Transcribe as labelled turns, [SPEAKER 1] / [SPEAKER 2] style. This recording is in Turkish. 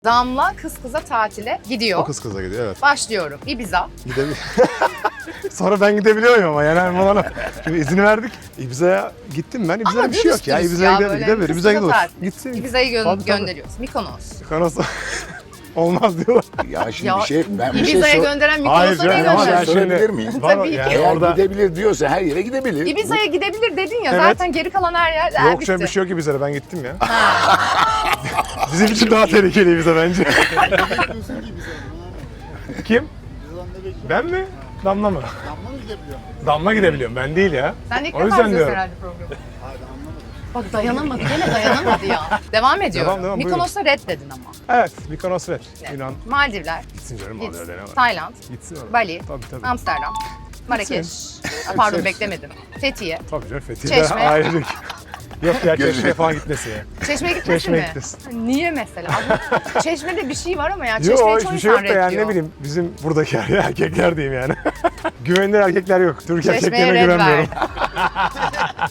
[SPEAKER 1] Damla kız kıza tatile gidiyor.
[SPEAKER 2] O kız kıza gidiyor, evet.
[SPEAKER 1] Başlıyorum. Ibiza.
[SPEAKER 2] Sonra ben gidebiliyorum ama yani Erman Hanım. Şimdi izin verdik. Ibiza'ya gittim ben. Ibiza'da
[SPEAKER 1] Ama
[SPEAKER 2] bir şey yok ya.
[SPEAKER 1] dürüst
[SPEAKER 2] Ibiza'ya
[SPEAKER 1] böyle
[SPEAKER 2] gidebilir.
[SPEAKER 1] kız
[SPEAKER 2] Ibiza'ya
[SPEAKER 1] kıza
[SPEAKER 2] gidiyoruz.
[SPEAKER 1] tatil.
[SPEAKER 2] Gitsin.
[SPEAKER 1] Ibiza'yı
[SPEAKER 2] Tabii, tabii.
[SPEAKER 1] gönderiyoruz. Mikonos.
[SPEAKER 2] Kanos'a olmaz diyorlar.
[SPEAKER 3] Ya şimdi
[SPEAKER 1] Ya,
[SPEAKER 3] ben bir şey
[SPEAKER 1] Ibiza'ya gönderen
[SPEAKER 2] Hayır
[SPEAKER 1] Mikonos'a niye
[SPEAKER 2] canım, ama
[SPEAKER 1] gönderir?
[SPEAKER 2] sen
[SPEAKER 3] Sorabilir
[SPEAKER 2] şimdi...
[SPEAKER 3] miyim?
[SPEAKER 2] Var,
[SPEAKER 1] Tabii
[SPEAKER 2] yani
[SPEAKER 1] ki.
[SPEAKER 3] Eğer
[SPEAKER 2] orada...
[SPEAKER 3] gidebilir diyorsa her yere gidebilir.
[SPEAKER 1] Ibiza'ya gidebilir dedin ya,
[SPEAKER 2] Evet.
[SPEAKER 1] zaten geri kalan her yer
[SPEAKER 2] Yok
[SPEAKER 1] bitti.
[SPEAKER 2] canım, bir şey yok Ibiza'da, ben gittim ya. Bizim için daha tehlikeli Ibiza bence. Kim? Ben mi? Damla mı?
[SPEAKER 4] Damla mı gidebiliyor?
[SPEAKER 2] Damla gidebiliyorum, ben değil ya.
[SPEAKER 1] Sen de ilk
[SPEAKER 2] O
[SPEAKER 1] defa
[SPEAKER 2] yüzden
[SPEAKER 1] izliyorsun
[SPEAKER 2] diyorum.
[SPEAKER 1] herhalde programı.
[SPEAKER 4] Hayır anlamadım.
[SPEAKER 1] Bak dayanamadı, gene dayanamadı ya. Devam ediyorum.
[SPEAKER 2] Devam,
[SPEAKER 1] Mikonos'a red dedin ama.
[SPEAKER 2] Evet, Mikonos Red.
[SPEAKER 1] Evet.
[SPEAKER 2] Yunan.
[SPEAKER 1] Maldivler,
[SPEAKER 2] Gitsin canım,
[SPEAKER 1] git.
[SPEAKER 2] alıyor deneme.
[SPEAKER 1] Tayland,
[SPEAKER 2] Gitsin orada.
[SPEAKER 1] Bali,
[SPEAKER 2] Tabii tabii.
[SPEAKER 1] Amsterdam, Marrakeş. Pardon
[SPEAKER 2] Hepsi.
[SPEAKER 1] beklemedim. Fethiye.
[SPEAKER 2] Tabii canım, Fethiye'de
[SPEAKER 1] Çeşme.
[SPEAKER 2] ailecek. Yok ya,
[SPEAKER 3] Gözü.
[SPEAKER 2] Çeşme'ye falan gitmesi ya.
[SPEAKER 1] Çeşme'ye gitmesin
[SPEAKER 2] Çeşme'ye
[SPEAKER 1] mi?
[SPEAKER 2] gitmesin.
[SPEAKER 1] Niye mesela? Çeşme'de bir şey var ama ya Çeşme'yi
[SPEAKER 2] Yok,
[SPEAKER 1] çoğu
[SPEAKER 2] hiçbir şey
[SPEAKER 1] insan
[SPEAKER 2] yok da yani
[SPEAKER 1] reddiyor.
[SPEAKER 2] ne bileyim, bizim buradaki erkekler diyeyim yani. Güvenilir erkekler yok. Türk
[SPEAKER 1] Çeşme'ye
[SPEAKER 2] erkeklerine
[SPEAKER 1] red
[SPEAKER 2] güvenmiyorum.
[SPEAKER 1] verdi.